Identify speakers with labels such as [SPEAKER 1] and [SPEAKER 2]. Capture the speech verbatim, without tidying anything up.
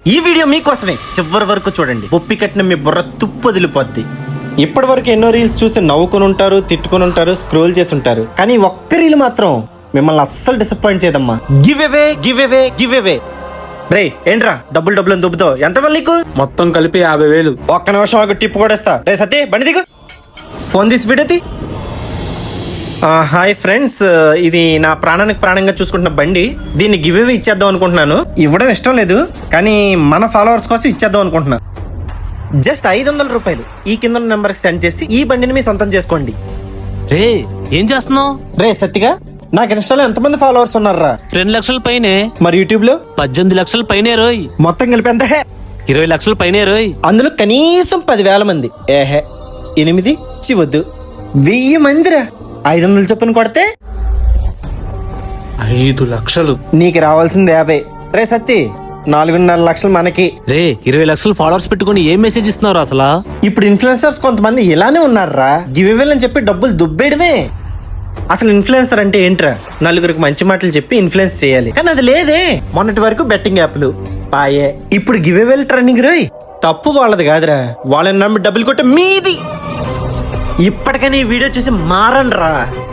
[SPEAKER 1] ఈ వీడియో మీకోసమే చివరి వరకు చూడండి. ఒప్పి కట్టిన మీ బుర్ర తుప్పు వదిలిపోద్ది. ఇప్పటి వరకు ఎన్నో రీల్స్ చూసి నవ్వుకుని ఉంటారు, తిట్టుకుని ఉంటారు, స్క్రోల్ చేసి ఉంటారు. కానీ ఒక్క రీల్ మాత్రం మిమ్మల్ని అస్సలు డిసప్పాయింట్ చేయదమ్మా. Give away give away give away. రే ఏంట్రా డబ్బులు డబ్బులు అని దుబ్బుతావు? ఎంత వల్ల నీకు?
[SPEAKER 2] మొత్తం కలిపి యాభై వేలు.
[SPEAKER 1] ఒక్క నిమిషం ఒక టిప్ కూడా ఇస్తా. రే సతీ బండి దిగు. ఫోన్ తీసి వీడియో. హాయ్ ఫ్రెండ్స్, ఇది నా ప్రాణానికి ప్రాణంగా చూసుకుంటున్న బండి. దీన్ని గివ్ అవే ఇచ్చేద్దాం అనుకుంటున్నాను. ఇవ్వడం ఇష్టం లేదు, కానీ మన ఫాలోవర్స్ కోసం ఇచ్చేద్దాం అనుకుంటున్నా. జస్ట్ ఐదు వందల రూపాయలు ఈ కింద నెంబర్కి సెండ్ చేసి ఈ బండిని మీ సొంతం చేసుకోండి.
[SPEAKER 3] రే ఏం చేస్తున్నావు?
[SPEAKER 1] రే సత్తిగా, నాకు ఇన్స్టాలో ఎంతమంది ఫాలోవర్స్ ఉన్నారా?
[SPEAKER 3] రెండు లక్షల పైనే.
[SPEAKER 1] మరి యూట్యూబ్ లో
[SPEAKER 3] పద్దెనిమిది లక్షల పైనే రోయ్.
[SPEAKER 1] మొత్తం కలిపి ఎంత? హే
[SPEAKER 3] ఇరవై లక్షల పైనే రోయ్.
[SPEAKER 1] అందులో కనీసం పదివేల మంది. ఏహే ఎనిమిది చివద్దు, వెయ్యి మందిరా. ఐదు వందలు చొప్పున కొడితే
[SPEAKER 2] ఐదు లక్షలు.
[SPEAKER 1] నీకు రావాల్సింది యాభై. రే సత్తి, నాలుగున్నర లక్షలు మనకి.
[SPEAKER 3] రే ఇరవై లక్షలు ఫాలోవర్స్ పెట్టుకుని ఏం మెసేజ్ ఇస్తున్నారు అసలు?
[SPEAKER 1] ఇప్పుడు ఇన్ఫ్లుయెన్సర్స్ కొంతమంది ఇలానే ఉన్నారా, గివ్ అవే అని చెప్పి డబ్బులు దుబ్బేయడమే. అసలు ఇన్ఫ్లుయెన్సర్ అంటే ఏంట్రా? నలుగురికి మంచి మాటలు చెప్పి ఇన్ఫ్లుయెన్స్ చేయాలి, కానీ అది లేదే. మొన్నటి వరకు బెట్టింగ్ యాప్లు పాయే, ఇప్పుడు గివ్ అవే ట్రెండింగ్. రోయ్ తప్పు వాళ్ళది కాదురా, వాళ్ళని నమ్మి డబ్బులు కొట్టే మీది. ఇప్పటికైనా ఈ వీడియో చూసి మారండి రా.